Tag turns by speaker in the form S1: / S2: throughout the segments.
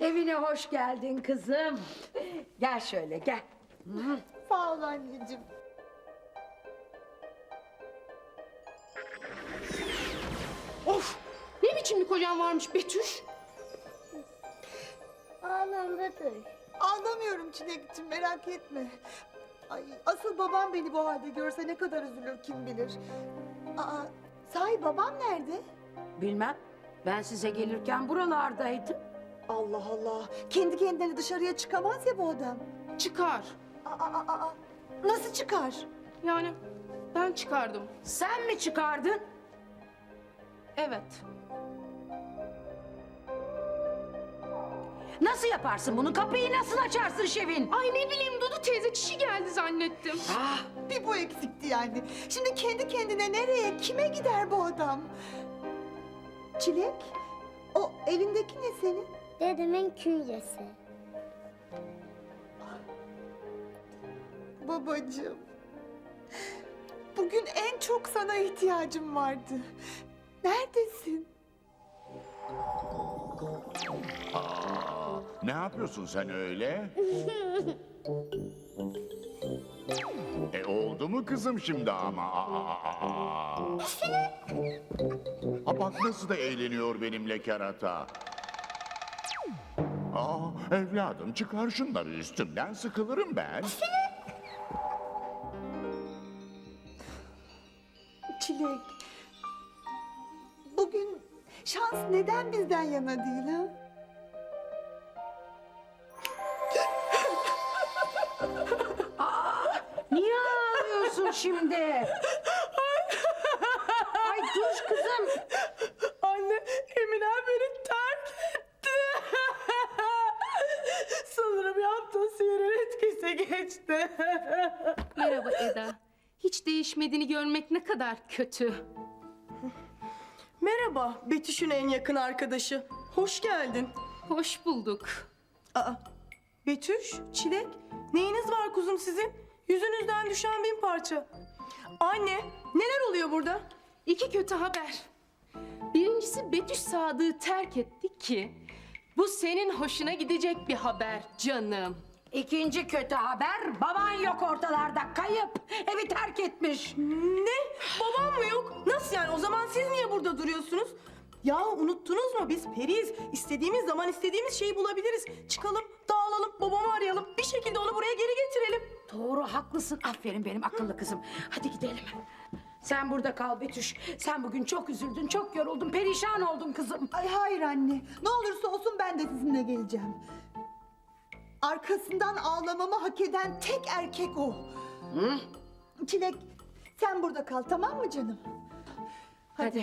S1: Evine hoş geldin kızım. Gel şöyle gel.
S2: Sağ ol anneciğim.
S3: Of! Ne biçim bir kocan varmış Betüş?
S4: Ağlam Betüş.
S2: Ağlamıyorum Çilek'ciğim, merak etme. Ay, asıl babam beni bu halde görse ne kadar üzülür kim bilir. Aa, sahi babam nerede?
S1: Bilmem. Ben size gelirken buralardaydım.
S2: Allah Allah. Kendi kendine dışarıya çıkamaz ya bu adam.
S3: Çıkar.
S2: Aa. Nasıl çıkar?
S3: Yani ben çıkardım.
S1: Sen mi çıkardın?
S3: Evet.
S1: Nasıl yaparsın bunu? Kapıyı nasıl açarsın Şevin?
S3: Ay ne bileyim Dudu teyze çişi geldi zannettim.
S1: Ah,
S2: Bir bu eksikti yani. Şimdi kendi kendine nereye, kime gider bu adam? Çilek, o elindeki ne senin?
S4: Dedemin künyesi.
S2: Babacığım. Bugün en çok sana ihtiyacım vardı. Neredesin?
S5: Ne yapıyorsun sen öyle? Oldu mu kızım şimdi ama? Bak nasıl da eğleniyor benimle kerata. Evladım çıkar şunları üstümden, sıkılırım ben.
S2: Çilek. Bugün şans neden bizden yana değil ha?
S1: niye ağlıyorsun şimdi? Ay dur kızım.
S3: Anne Emine beni terk etti. Sanırım yaptığı sihirin etkisi geçti. Merhaba Eda. Hiç değişmediğini görmek ne kadar kötü.
S6: Merhaba, Betüş'ün en yakın arkadaşı. Hoş geldin.
S3: Hoş bulduk.
S6: Aa, Betüş, Çilek, neyiniz var kuzum sizin? Yüzünüzden düşen bin parça. Anne, neler oluyor burada?
S3: İki kötü haber. Birincisi Betüş Sadık'ı terk etti ki bu senin hoşuna gidecek bir haber canım.
S1: İkinci kötü haber, baban yok ortalarda, kayıp, evi terk etmiş.
S6: Ne? Babam mı yok? Nasıl yani? O zaman siz niye burada duruyorsunuz? Ya unuttunuz mu? Biz periyiz. İstediğimiz zaman istediğimiz şeyi bulabiliriz. Çıkalım, dağılalım, babamı arayalım. Bir şekilde onu buraya geri getirelim.
S1: Doğru, haklısın. Aferin benim akıllı kızım. Hadi gidelim. Sen burada kal Betüş. Sen bugün çok üzüldün, çok yoruldun, perişan oldun kızım.
S2: Ay hayır anne. Ne olursa olsun ben de sizinle geleceğim. Arkasından ağlamamı hak eden tek erkek o. Çilek, sen burada kal, tamam mı canım?
S1: Hadi.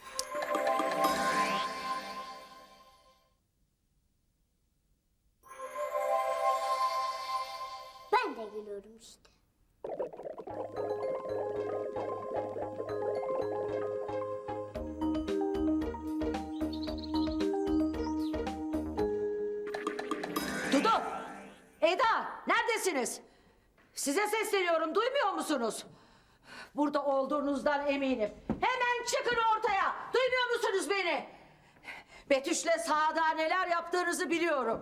S4: Ben de geliyorum işte.
S1: Dudu! Eda! Neredesiniz? Size sesleniyorum, duymuyor musunuz? Burada olduğunuzdan eminim. Hemen çıkın ortaya! Duymuyor musunuz beni? Betüş'le Sadık'a neler yaptığınızı biliyorum.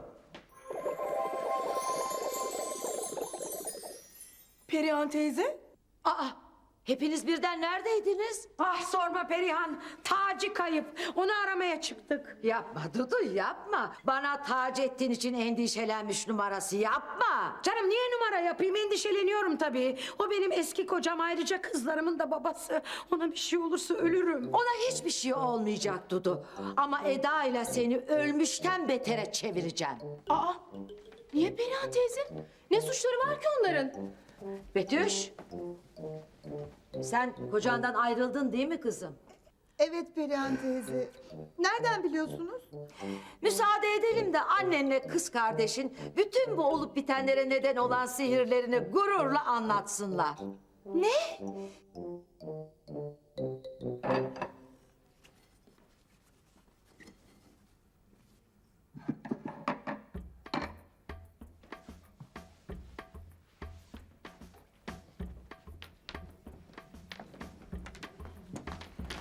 S6: Perihan teyze?
S1: Aa! Hepiniz birden neredeydiniz? Ah sorma Perihan, Taci kayıp. Onu aramaya çıktık. Yapma Dudu yapma. Bana tac ettiğin için endişelenmiş numarası yapma. Canım niye numara yapayım, endişeleniyorum tabii. O benim eski kocam, ayrıca kızlarımın da babası. Ona bir şey olursa ölürüm. Ona hiçbir şey olmayacak Dudu. Ama Eda ile seni ölmüşten betere çevireceğim.
S3: Aa, niye Perihan teyze? Ne suçları var ki onların?
S1: Betüş, sen kocandan ayrıldın değil mi kızım?
S2: Evet Perihan teyze. Nereden biliyorsunuz?
S1: Müsaade edelim de annenle kız kardeşin bütün bu olup bitenlere neden olan sihirlerini gururla anlatsınlar.
S2: Ne?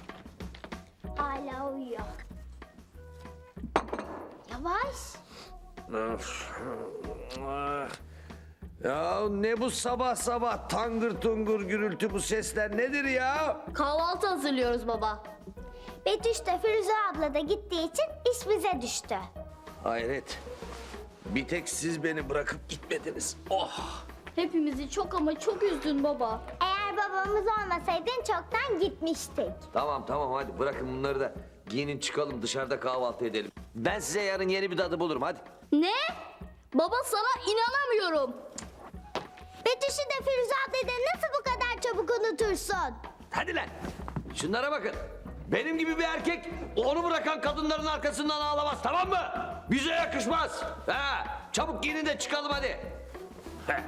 S4: Hala uyuyor. Yavaş.
S7: Ya ne bu sabah sabah tangır tungur gürültü, bu sesler nedir ya?
S4: Kahvaltı hazırlıyoruz baba. Betüş de Firuze abla da gittiği için iş bize düştü.
S7: Hayret. Bir tek siz beni bırakıp gitmediniz. Oh!
S8: Hepimizi çok ama çok üzdün baba.
S4: Eğer babamız olmasaydın çoktan gitmiştik.
S7: Tamam hadi bırakın bunları da. Giyinin çıkalım, dışarıda kahvaltı edelim. Ben size yarın yeni bir dadı bulurum, hadi.
S8: Ne? Baba sana inanamıyorum.
S4: Betüş'ü de Firuze ablayı da nasıl bu kadar çabuk unutursun?
S7: Hadi lan. Şunlara bakın. Benim gibi bir erkek onu bırakan kadınların arkasından ağlamaz, tamam mı? Bize yakışmaz. Ha, çabuk giyinin de çıkalım hadi. Heh.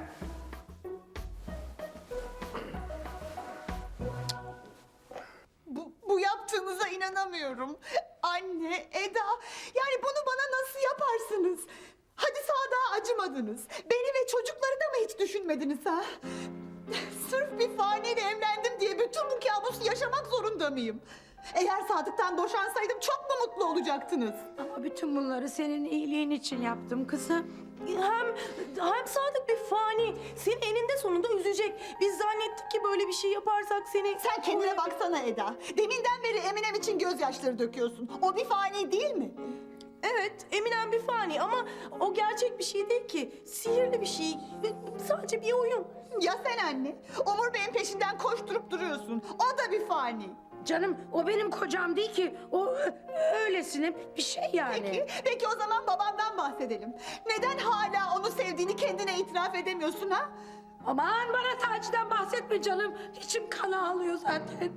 S2: Bu yaptığınıza inanamıyorum. Anne, Eda, yani bunu bana nasıl yaparsınız? Hadi Sadık'a acımadınız. Beni ve çocukları da mı hiç düşünmediniz ha? Sırf bir faniyle evlendim diye bütün bu kabusu yaşamak zorunda mıyım? Eğer Sadık'tan boşansaydım çok mu mutlu olacaktınız?
S1: Ama bütün bunları senin iyiliğin için yaptım kızım.
S6: Hem Sadık bir fani. Seni eninde sonunda üzecek. Biz zannettik ki böyle bir şey yaparsak seni...
S2: Sen kendine baksana Eda. Deminden beri Eminem için gözyaşları döküyorsun. O bir fani değil mi?
S6: Evet, Eminem bir fani ama o gerçek bir şey değil ki. Sihirli bir şey. Sadece bir oyun.
S2: Ya sen anne? Umur Bey'in peşinden koşturup duruyorsun. O da bir fani.
S1: Canım o benim kocam değil ki. O öylesine bir şey yani.
S2: Peki o zaman babamdan bahsedelim. Neden hala onu sevdiğini kendine itiraf edemiyorsun ha?
S1: Aman bana Taci'den bahsetme canım. İçim kan ağlıyor zaten.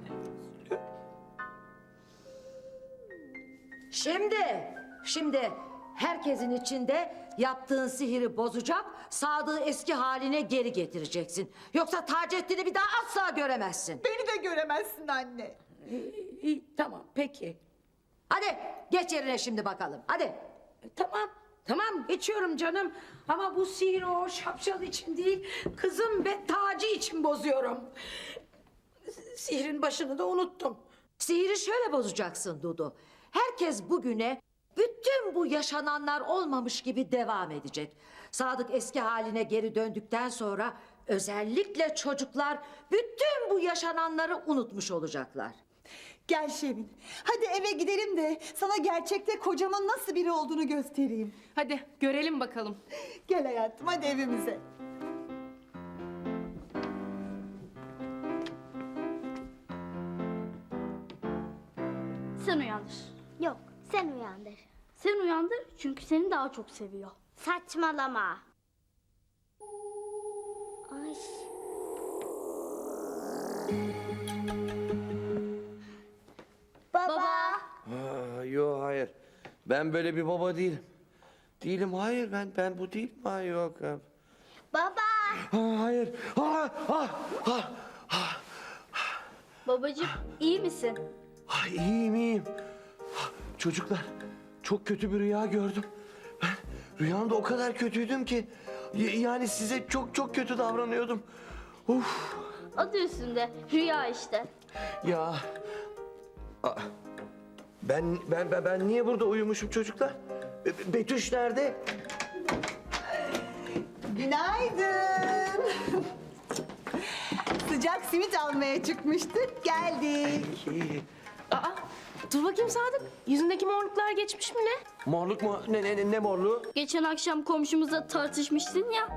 S1: Şimdi herkesin içinde yaptığın sihiri bozacak, Sadık'ı eski haline geri getireceksin. Yoksa Taceddin'i bir daha asla göremezsin.
S2: Beni de göremezsin anne.
S1: İyi, tamam peki. Hadi geç yerine şimdi bakalım hadi. Tamam geçiyorum canım. Ama bu sihiri o şapşal için değil, kızım ve Taci için bozuyorum. Sihirin başını da unuttum. Sihiri şöyle bozacaksın Dudu. Herkes bugüne bütün bu yaşananlar olmamış gibi devam edecek. Sadık eski haline geri döndükten sonra özellikle çocuklar bütün bu yaşananları unutmuş olacaklar.
S2: Gel Şevin. Hadi eve gidelim de sana gerçekte kocamın nasıl biri olduğunu göstereyim.
S3: Hadi görelim bakalım.
S2: Gel hayatım hadi evimize.
S8: Sen uyandır.
S4: Yok, sen uyandır.
S8: Sen uyandır çünkü seni daha çok seviyor.
S4: Saçmalama. Ay. Baba.
S7: Yok hayır. Ben böyle bir baba değilim. Değilim, hayır, ben bu değilim. Hayır, yok.
S4: Baba.
S7: Hayır.
S8: Babacığım iyi misin?
S7: İyiyim. Çocuklar, çok kötü bir rüya gördüm. Ben rüyamda o kadar kötüydüm ki... Yani size çok kötü davranıyordum. Uf.
S8: Adı üstünde rüya işte.
S7: Ya... Ben niye burada uyumuşum çocuklar? Betüş nerede?
S2: Günaydın. Sıcak simit almaya çıkmıştık. Geldik.
S3: Aa, dur bakayım Sadık. Yüzündeki morluklar geçmiş mi ne?
S7: Morluk mu? Ne morluğu?
S8: Geçen akşam komşumuzla tartışmıştın ya.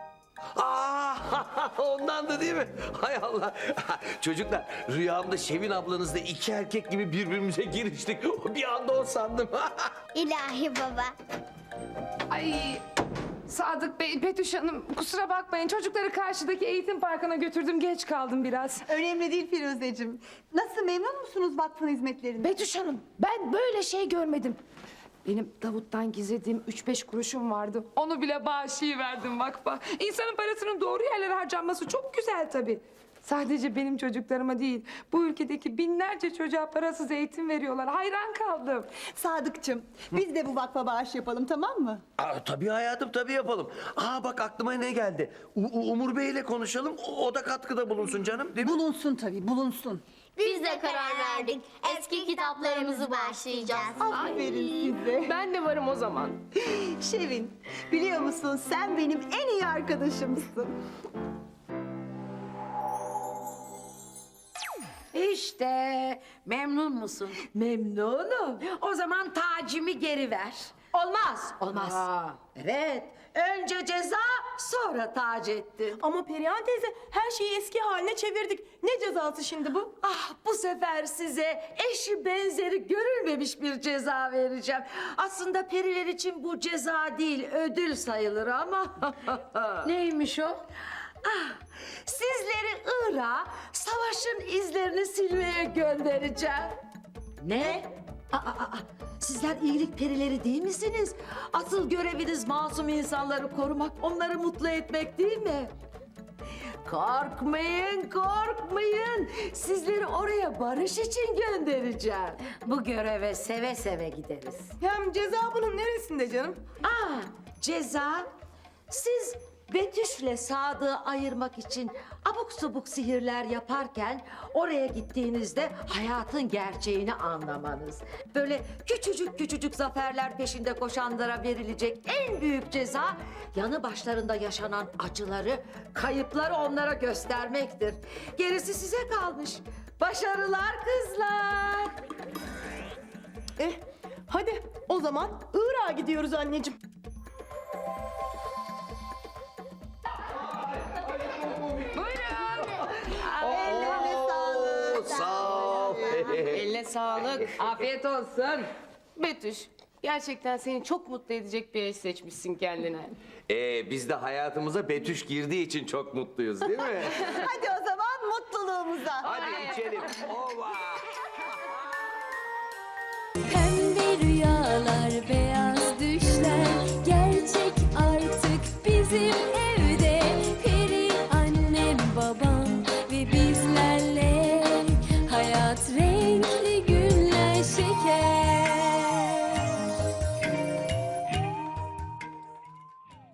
S7: Ondandı değil mi? Hay Allah. Çocuklar, rüyamda Şevin ablanızla iki erkek gibi birbirimize giriştik. Bir anda o sandım.
S4: İlahi baba.
S9: Ay Sadık Bey, Betüş Hanım kusura bakmayın. Çocukları karşıdaki eğitim parkına götürdüm. Geç kaldım biraz.
S2: Önemli değil Firuzeciğim. Nasıl memnun musunuz vakfın hizmetlerinden?
S9: Betüş Hanım, ben böyle şey görmedim. Benim Davut'tan gizlediğim 3-5 kuruşum vardı. Onu bile bağışlayıverdim vakfa. İnsanın parasının doğru yerlere harcanması çok güzel tabii. Sadece benim çocuklarıma değil, bu ülkedeki binlerce çocuğa parasız eğitim veriyorlar. Hayran kaldım.
S2: Sadıkçım, biz de bu vakfa bağış yapalım tamam mı?
S7: Tabii hayatım, tabii yapalım. Bak aklıma ne geldi. Umur Bey'le konuşalım, o da katkıda bulunsun canım, değil mi?
S2: Bulunsun tabii, bulunsun.
S4: Biz de karar verdik. Eski kitaplarımızı bağışlayacağız.
S2: Aferin size.
S3: Ben de varım o zaman.
S2: Şevin, biliyor musun sen benim en iyi arkadaşımsın.
S1: İşte memnun musun? Memnunum. O zaman tacimi geri ver. Olmaz. Olmaz. Evet. Önce ceza sonra Taceddin.
S6: Ama Perihan teyze her şeyi eski haline çevirdik. Ne cezası şimdi bu?
S1: Ah, bu sefer size eşi benzeri görülmemiş bir ceza vereceğim. Aslında periler için bu ceza değil, ödül sayılır ama. Neymiş o? Ah, sizleri Irak'a savaşın izlerini silmeye göndereceğim. Ne? Sizler iyilik perileri değil misiniz? Asıl göreviniz masum insanları korumak, onları mutlu etmek değil mi? Korkmayın, korkmayın. Sizleri oraya barış için göndereceğim. Bu göreve seve seve gideriz.
S6: Hem ceza bunun neresinde canım?
S1: Ceza, siz Betüş'le Sadık'ı ayırmak için abuk subuk sihirler yaparken oraya gittiğinizde hayatın gerçeğini anlamanız. Böyle küçücük küçücük zaferler peşinde koşanlara verilecek en büyük ceza yanı başlarında yaşanan acıları, kayıpları onlara göstermektir. Gerisi size kalmış. Başarılar kızlar.
S6: Hadi o zaman Irak'a gidiyoruz anneciğim.
S7: Sağ ol.
S3: Eline sağlık.
S1: Afiyet olsun.
S3: Betüş, gerçekten seni çok mutlu edecek bir eş seçmişsin kendine.
S7: Biz de hayatımıza Betüş girdiği için çok mutluyuz değil mi?
S2: Hadi o zaman mutluluğumuza.
S7: Hadi içelim. Ova!